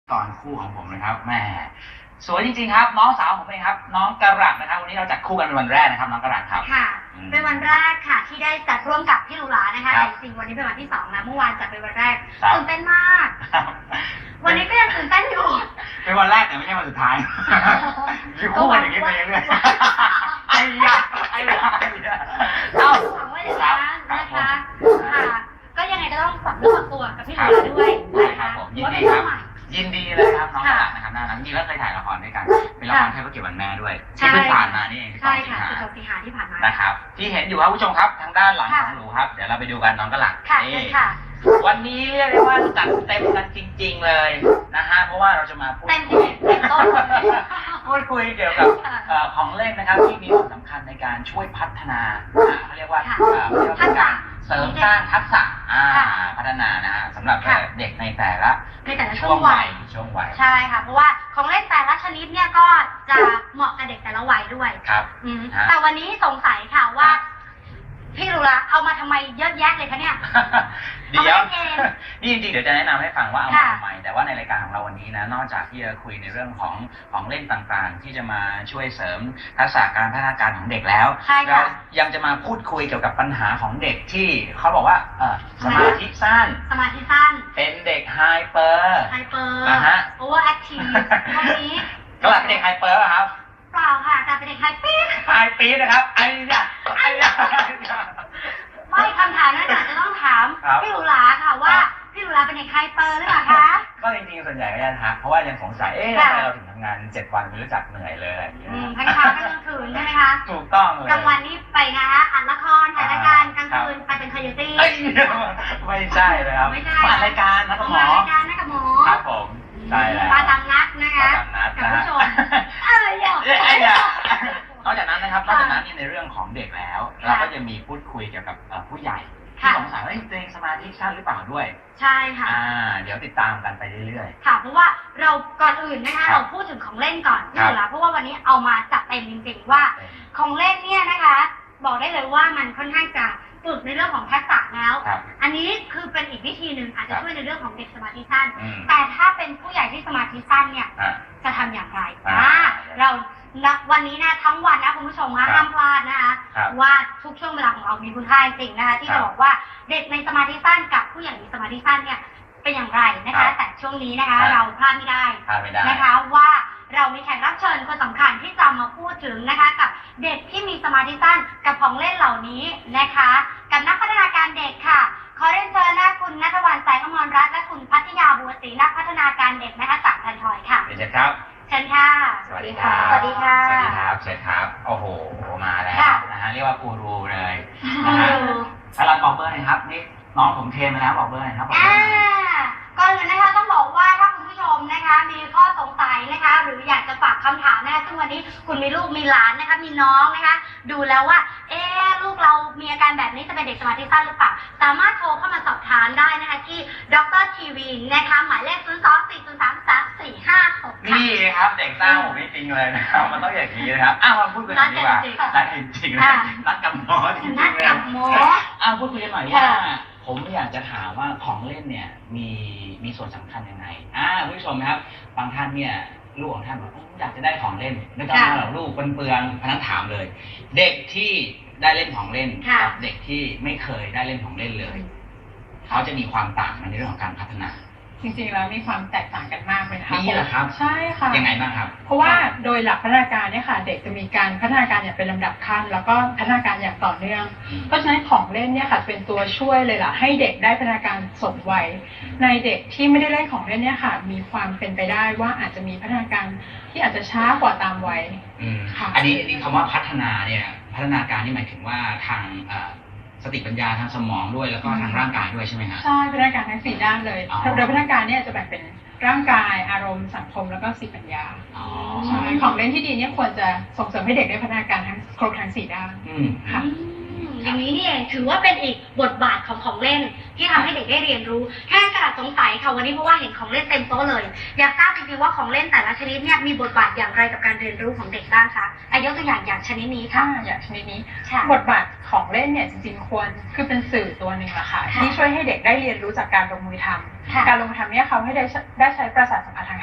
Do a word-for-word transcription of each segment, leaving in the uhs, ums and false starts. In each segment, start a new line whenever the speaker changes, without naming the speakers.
ตอนคู่ของผมนะครับแม่สวยจริงๆครับน้องสาวผมเองครับน้องกระหลัดนะครับวันนี้เราจัดคู่กันเป็นวันแรกนะครับน้องกระหลัดครับ
ค่ะเป็นวันแรกค่ะที่ได้จัดร่วมกับพี่ลูลานะคะแต่จริงๆวันนี้เป็นวันที่สองนะเมื่อวานจัดเป็นวันแรกตื่นเต้นมากวันนี้ก็ยังตื่นเต้นอยู่
เป็นวันแรกแต่ไม่ใช่วันสุดท้ายอยู่คู่กันอย่างนี้ไปเรื่อยๆไอ้ยาไอ้ยา
เอ้าหวังว่าอย่างนั้นนะคะค่ะก็ยังไงก็ต้องฝากเรื่องฝากตัวกับพี่ลูลาด้วย
นะครับผมยินดีครับยินดีเลยครับน้องกระหลัดนะครับน่ารักจริงแล้วเคยถ่ายละครด้วยกันเป็นละครเทพเกียรติวันแม่ด้วยที่เพิ่งผ่านมานี่เอง
ใช่ค่ะสิบสองสิงหาที่ผ่านมา
นะครับที่เห็นอยู่ครับผู้ชมครับทางด้านหลังของหนูครับเดี๋ยวเราไปดูกันน้องกระหลัด
นี่
วันนี้เรียกได้ว่าจัดเต็มกันจริงๆเลยนะฮะเพราะว่าเราจะมาพูดคุยพูดคุยเกี่ยวกับของเล่นนะครับที่มีส่วนสำคัญในการช่วยพัฒนาเขาเรียกว่าเรียกว่าการเสริมสร้างทักษะพัฒนานะฮะสำหรับเด็กในแต่ละ
ในแต่ละช่วงวัย
ช่วงวัย
ใช่ค่ะเพราะว่าของเล่นแต่ละชนิดเนี่ยก็จะเหมาะกับเด็กแต่ละวัยด้วย
ครับ
แต่วันนี้สงสัยค่ะว่าพี่ลูลาเอามาทำไมเยอะแยะเลยคะเนี่ย
เดี๋ยวนี่จริงๆเดี๋ยวจะแนะนำให้ฟังว่าเอามาทำไมแต่ว่าในรายการของเราวันนี้นะนอกจากที่จะคุยในเรื่องของของเล่นต่างๆที่จะมาช่วยเสริมทักษะการพัฒนาการของเด็กแล้วเรายังจะมาพูดคุยเกี่ยวกับปัญหาของเด็กที่เขาบอกว่าเออสมาธิสั้น
สมาธิสั้น
เป็นเด็กไฮเปอร์
ไฮเปอร์
นะฮะ
โอเวอร์แอคทีฟพวกนี้
ก็หลักเป็นเด็กไฮเปอร์ครับ
เปล่าค่ะแต่เป็นเด็กไฮปี๊ด
ไฮปี๊ดนะครับไอ้ยะไอ้ยะ
ไม่คำถามนั้นจะต้องถามพี่ลูลาค่ะว่าพี่ลูลาเป็นเด็กไฮเปอร์หรือเปล่าคะ
ก็จริงๆส่วนใหญ่ก็จะทักเพราะว่ายังสงสัยเอ๊ะทำไมเราถึงทำงานเจ็ดวันไม่รู้จักเหนื่อยเลยอะไรอย่างเงี้ย
ทั้งเช้าทั้งกลางคืนใช่ไหมคะ
ถูกต้องเลย
กลางวันนี่ไปนะคะอ่านละครถ่ายรายการกลางคืนไปเป็นคอยตี้
ไม่ใช่เลยครับอ่านรายการนะกับหมอ
รายการนะกับหมอ
ครับผมใช่แล้ว
มาตามนัดนะคะกับผู้ชมเอ้ย
อย่านอกจากนั้นนะครับนอกจากนั้นในเรื่องของเด็กแล้วเราก็จะมีพูดคุยเกี่ยวกับผู้ใหญ่ที่สงสัยว่าตัวเองสมาธิสั้นหรือเปล่าด้วย
ใช่ค่ะ
อ่าเดี๋ยวติดตามกันไปเรื่อย
ๆค่ะเพราะว่าเราก่อนอื่นนะคะเราพูดถึงของเล่นก่อนนี่แหละเพราะว่าวันนี้เอามาจัดเต็มจริงๆว่าของเล่นเนี่ยนะคะบอกได้เลยว่ามันค่อนข้างจะฝึกในเรื่องของทักษะแล้วอันนี้คือเป็นอีกวิธีหนึ่งอาจจะช่วยในเรื่องของเด็กสมาธิสั้นแต่ถ้าเป็นผู้ใหญ่ที่สมาธิสั้นเนี่ยจะทำอย่างไรอ่าเราวันนี้นะทั้งวันนะคุณผู้ชมนะห้ามพลาดนะคะว่าทุกช่วงเวลาของเรามีคุณค่าจริงนะคะที่จะบอกว่าเด็กในสมาธิสั้นกับผู้ใหญ่ในสมาธิสั้นเนี่ยเป็นอย่างไรนะคะแต่ช่วงนี้นะคะเราพลาดไม่ได้นะคะว่าเรามีแขกรับเชิญคนสำคัญที่จะมาพูดถึงนะคะกับเด็กที่มีสมาธิสั้นกับของเล่นเหล่านี้นะคะกับนักพัฒนาการเด็กค่ะขอเรียนเชิญนะคุณณัฐวรรณ สายอมรรัตน์และคุณพัทยาบัวศรีนักพัฒนาการเด็กนะคะจากทันทอยค่ะ
เชิญครับ
เชิญค่ะ
สวัสดีครับ
สวัสดีค่ะ
สวัสดีครับเชิญครับโอ้โหมาแล้วนะฮะเรียกว่ากูรูเลยนะฮะถ้าเราบอกเบอร์หน่อยครับนี่น้องผมเทมาแล้วบอกเบอร์หน่อยครับ
อ่าก่อนอื่นนะคะต้องบอกว่าถ้าคุณผู้ชมนะคะมีข้อสงสัยนะคะหรืออยากจะฝากคำถามนะคะซึ่งวันนี้คุณมีลูกมีหลานนะคะมีน้องนะคะดูแล้วว่าเอ๊ะลูกเรามีอาการแบบนี้จะเป็นเด็กสมาธิสั้นหรือเปล่าสามารถโทรเข้ามาสอบถามได้นะคะที่ดรทีวีนะคะหมายเลขศูนย์ สอง สี่ ศูนย์ สาม สาม สี่ ห้า หก
นี่ครับเด็กสร้างผมจริงเลยนะครับมันต้องอย่างนี้นะครับอ้าวมาพูดกันดีกว่านัดจริงๆนัดกับหมอจริงๆนัด
กับหมอ
อ้าวพูดคุยกันหน่อยว่าผมอยากจะถามว่าของเล่นเนี่ยมีมีส่วนสำคัญยังไงอ่าผู้ชมครับบางท่านเนี่ยลูกของท่านบอกอยากจะได้ของเล่นไม่ต้องมาหรอกลูกเปลืองๆพนักถามเลยเด็กที่ได้เล่นของเล่นกับเด็กที่ไม่เคยได้เล่นของเล่นเลยเขาจะมีความต่างในเรื่องของการพัฒนา
จริงๆแล้วมีความแตกต่างกันมากเลยค่ะ
นี่แหละครับ
ใช่ค่ะ
ยังไงบ้างครับ
เพราะว่าโดยหลักพัฒนาการเนี่ยค่ะเด็กจะมีการพัฒนาการอย่างเป็นลำดับขั้นแล้วก็พัฒนาการอย่างต่อเนื่องเพราะฉะนั้นของเล่นเนี่ยค่ะเป็นตัวช่วยเลยล่ะให้เด็กได้พัฒนาการสมวัยในเด็กที่ไม่ได้เล่นของเล่นเนี่ยค่ะมีความเป็นไปได้ว่าอาจจะมีพัฒนาการที่อาจจะช้ากว่าตามวัย
ค่ะอันนี้อันนี้คำว่าพัฒนาเนี่ยพัฒนาการนี่หมายถึงว่าทางสติปัญญาทางสมองด้วยแล้วก็ทางร่างกายด้วยใช่ไหมครับ
ใช่พัฒนาการทั้งสี่ด้านเลยโดยพัฒนาการเนี่ยจะแบ่งเป็นร่างกายอารมณ์สังคมแล้วก็สติปัญญาใช่ของเล่นที่ดีเนี่ยควรจะส่งเสริมให้เด็กได้พัฒนาการทั้งครบทั้งสี่ด้านค่ะ
อย่างนี้นี่เองถือว่าเป็นอีกบทบาทของของเล่นที่ทำให้เด็กได้เรียนรู้แค่กระดาษสงสัยค่ะวันนี้เพราะว่าเห็นของเล่นเต็มโต๊ะเลยอยากทราบจริงๆว่าของเล่นแต่ละชนิดเนี่ยมีบทบาทอย่างไรกับการเรียนรู้ของเด็กบ้างคะอายกตัวอย่างอย่างชนิดนี้ค่ะ
อย่างชนิดนี้บทบาทของเล่นเนี่ยจริงๆควรคือเป็นสื่อตัวหนึ่งแหละค่ะที่ช่วยให้เด็กได้เรียนรู้จากการลงมือทำการลงมือทำเนี่ยเขาให้ได้ได้ใช้ประสาทสัมผัสทาง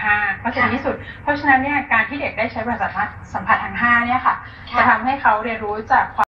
ห้าก็จะดีที่สุดเพราะฉะนั้นเนี่ยการที่เด็กได้ใช้ประสาทสัมผัสทางห้าเนี่ยค่ะจะทำให้เขาเรียนรู้จาก